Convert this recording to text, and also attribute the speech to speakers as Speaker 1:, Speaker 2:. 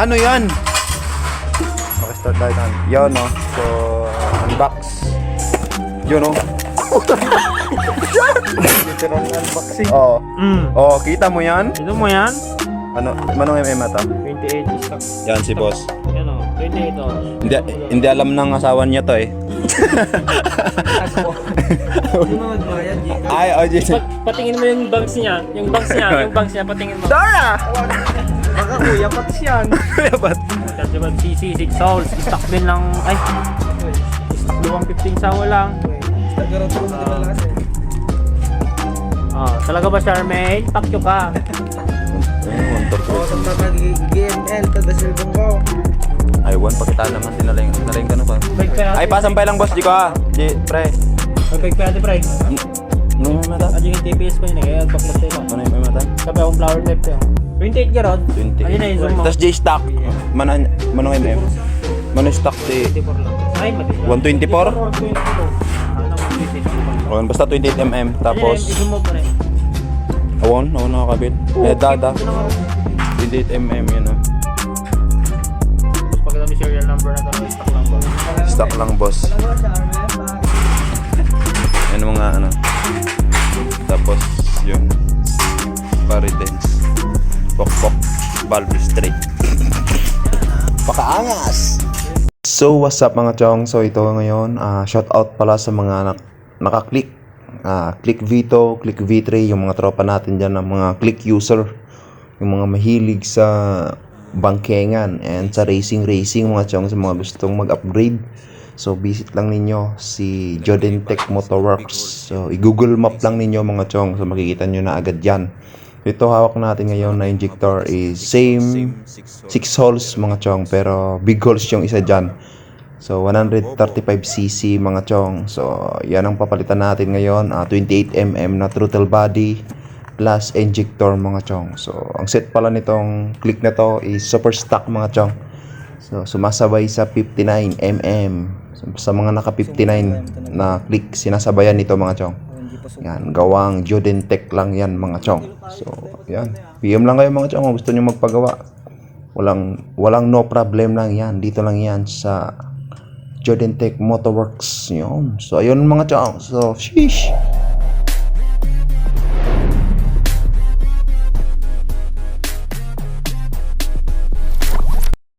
Speaker 1: Ano yan? Okay, start tayo na. Yun, no? So, unbox. Yun, no? Literal unboxing. Oo. Oo, kita mo yan?
Speaker 2: Ito mo yan?
Speaker 1: Ano, manong MM ata?
Speaker 2: 28 stock.
Speaker 1: Yan si boss.
Speaker 2: Yan o, 28 o.
Speaker 1: Hindi alam ng asawa niya to eh.
Speaker 3: Hindi mo magbayad, Jika.
Speaker 1: Ay, oh, Jason.
Speaker 2: Patingin mo yung bangs niya. Yung bangs niya, patingin mo.
Speaker 1: Dora!
Speaker 3: Baka kuya, pati yan.
Speaker 1: Ba't?
Speaker 2: Kasi ba, CC 6 souls. Stock din lang, ay. Stock 215 sawa lang.
Speaker 3: Nagkaroon ko na malakas eh.
Speaker 2: Talaga ba, Charmaine? Pakyo ka.
Speaker 3: Oo, sa mga GML, tada silbong ko.
Speaker 1: Ay, one, pakita naman sinaling ka na pa.
Speaker 2: Bike pa
Speaker 1: Ay, pasampay lang boss, di ko ah. Di, pre.
Speaker 2: Bike pa ate, pre.
Speaker 1: Ano yung mata?
Speaker 2: Adyo yung TPS ko yun eh. Kaya baklas tayo.
Speaker 1: Ano yung mata?
Speaker 2: Sabi akong flower type tayo. 28 ka rod?
Speaker 1: 20.
Speaker 2: Ayun na yung zoom mo.
Speaker 1: Tapos J-Stock. Manong MM? Manong stock di
Speaker 2: 24 lang. Ay, mati.
Speaker 1: 124?
Speaker 2: 122. Ano, 122.
Speaker 1: Okay, basta 28mm. Tapos,
Speaker 2: Ayun, i-zoom mo pa rin.
Speaker 1: awon nakakabit. Eh, dada. 28mm yun ah.
Speaker 2: Tapos pagkita may serial number na talaga, stock lang ba?
Speaker 1: Stock lang boss. Yan mga ano. Tapos, yun. Paridens. Pok-pok. Valve straight. Pakaangas! So, what's up mga chong? So, ito ngayon, shout out pala sa mga naka-click. Click Vito, Click V3, yung mga tropa natin dyan, ng mga click user. Yung mga mahilig sa bangkengan and sa racing mga chong, sa mga gustong mag-upgrade. So, visit lang ninyo si Jodentech Motorworks. So, i-google map lang ninyo mga chong. So, makikita nyo na agad yan. Ito hawak natin ngayon na injector is same 6 holes mga chong, pero big holes yung isa dyan. So 135cc mga chong. So yan ang papalitan natin ngayon, 28mm na throttle body plus injector mga chong. So ang set pala nitong click na to is super stock mga chong. So sumasabay sa 59mm. So, sa mga naka 59 na click, sinasabayan nito mga chong. Yan, gawang Jodentech lang yan mga chong. So, yan. PM lang kayo mga chong kung gusto nyo magpagawa. Walang no problem lang yan. Dito lang yan sa Jodentech Motorworks. Yun. So, ayun mga chong. So, sheesh.